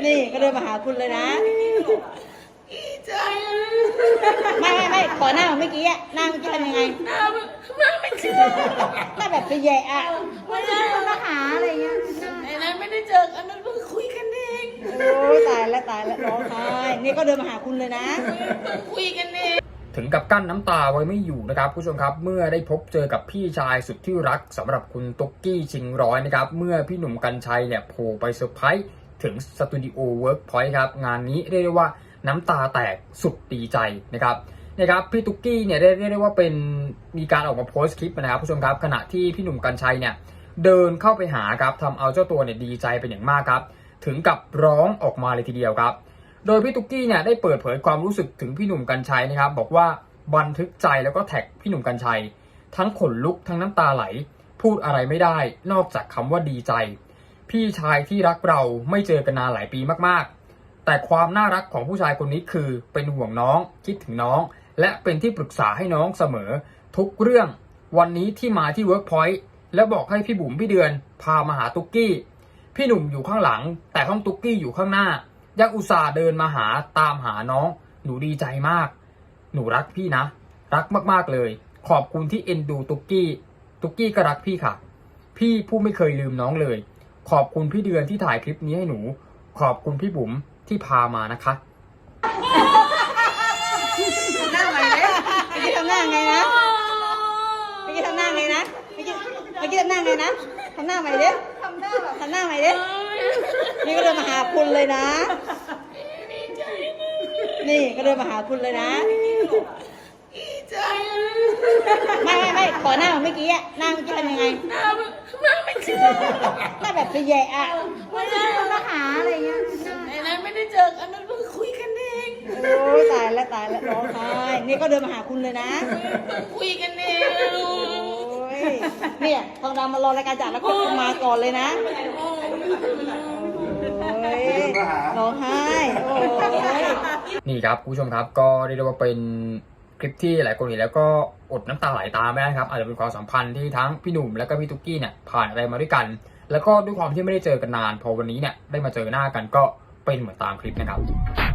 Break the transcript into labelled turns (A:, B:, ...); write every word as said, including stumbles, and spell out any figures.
A: นี่ก็เดินมาหาคุณเลยนะ
B: ดีใจ
A: ไม่ไม่ไม่ขอหน้าของเมื่อกี้อะหน้าเมื่อกี้ทำยังไง
B: หน้าหน้าไม่เชื่อ
A: หน้าแบบไปแย่อะไม่ได้มาหาอะไรเงี้ย
B: ไอ้นั้นไม่ได้เจอกันนั้นเพิ่งคุยกันเอง
A: โอ้ยตายแล้วตายแล้วร้องไห้นี่ก็เดินมาหาคุณเลยนะ
B: เพิ่งคุยกันเอง
C: ถึงกับกั้นน้ำตาไว้ไม่อยู่นะครับผู้ชมครับเมื่อได้พบเจอกับพี่ชายสุดที่รักสำหรับคุณตุ๊กกี้ชิงร้อยนะครับเมื่อพี่หนุ่มกรรชัยเนี่ยโผล่ไปเซอร์ไพรส์ถึงสตูดิโอเวิร์กพอยต์ครับงานนี้เรียกได้ว่าน้ำตาแตกสุดดีใจนะครับนะครับพี่ตุ๊กกี้เนี่ยเรียกได้ว่าเป็นมีการออกมาโพสต์คลิปนะครับผู้ชมครับขณะที่พี่หนุ่มกรรชัยเนี่ยเดินเข้าไปหาครับทำเอาเจ้าตัวเนี่ยดีใจเป็นอย่างมากครับถึงกับร้องออกมาเลยทีเดียวครับโดยพี่ตุ๊กกี้เนี่ยได้เปิดเผยความรู้สึกถึงพี่หนุ่มกรรชัยนะครับบอกว่าบันทึกใจแล้วก็แท็กพี่หนุ่มกรรชัยทั้งขนลุกทั้งน้ำตาไหลพูดอะไรไม่ได้นอกจากคำว่าดีใจพี่ชายที่รักเราไม่เจอกันนานหลายปีมากๆแต่ความน่ารักของผู้ชายคนนี้คือเป็นห่วงน้องคิดถึงน้องและเป็นที่ปรึกษาให้น้องเสมอทุกเรื่องวันนี้ที่มาที่ Workpoint แล้วบอกให้พี่บุ๋มพี่เดือนพามาหาตุ๊กกี้พี่หนุ่มอยู่ข้างหลังแต่ห้องตุ๊กกี้อยู่ข้างหน้ายังอุตส่าห์เดินมาหาตามหาน้องหนูดีใจมากหนูรักพี่นะรักมากๆเลยขอบคุณที่เอ็นดูตุ๊กกี้ตุ๊กกี้ก็รักพี่ค่ะพี่ผู้ไม่เคยลืมน้องเลยขอบคุณพี่เดือนที่ถ่ายคลิปนี้ให้หนูขอบคุณพี่บุ๋มที่พามานะคะ
A: หน้าใหม่เลยเมื่อกี้ทำหน้าไงนะเมื่อกี้ทำหน้าไงนะเมื่อกี้เมื่อกี้ทำหน้าไงนะทำหน้าใหม่ดิทำหน้าแบบทำหน้าใหม่ดินี่ก็เดินมาหาคุณเลยนะนี่ก็เดินมาหาคุณเลยนะ
B: ดีใจ
A: ไม่ไม่ไม่ขอหน้าของเมื่อกี้อะหน้าเมื่อกี้ทำยังไง
B: หน้าหน้าไม่เชื่อ
A: หน้าแบบไปแย่อะไม่ได้มาหาอะไรเงี้ย
B: ไอ้นั้นไม่ได้เจอกันนั้นเพิ่งคุยกันเอง
A: โอ้ยตายแล้วตายแล้วร้องไห้นี่ก็เดินมาหาคุณเลยนะ
B: เพิ่งคุยกันเอง
A: โอ้ยเนี่ยทองดำมารอรายการจัดแล้วก็มาก่อนเลยนะโอ้ยร้องไห้โอ้ย
C: นี่ครับคุณผู้ชมครับก็เรียกได้ว่าเป็นคลิปที่หลายคนเห็นแล้วก็อดน้ำตาไหลตามไม่ได้ครับอาจจะเป็นความสัมพันธ์ที่ทั้งพี่หนุ่มและก็พี่ตุ๊กกี้เนี่ยผ่านอะไรมาด้วยกันแล้วก็ด้วยความที่ไม่ได้เจอกันนานพอวันนี้เนี่ยได้มาเจอหน้ากันก็เป็นเหมือนตามคลิปนะครับ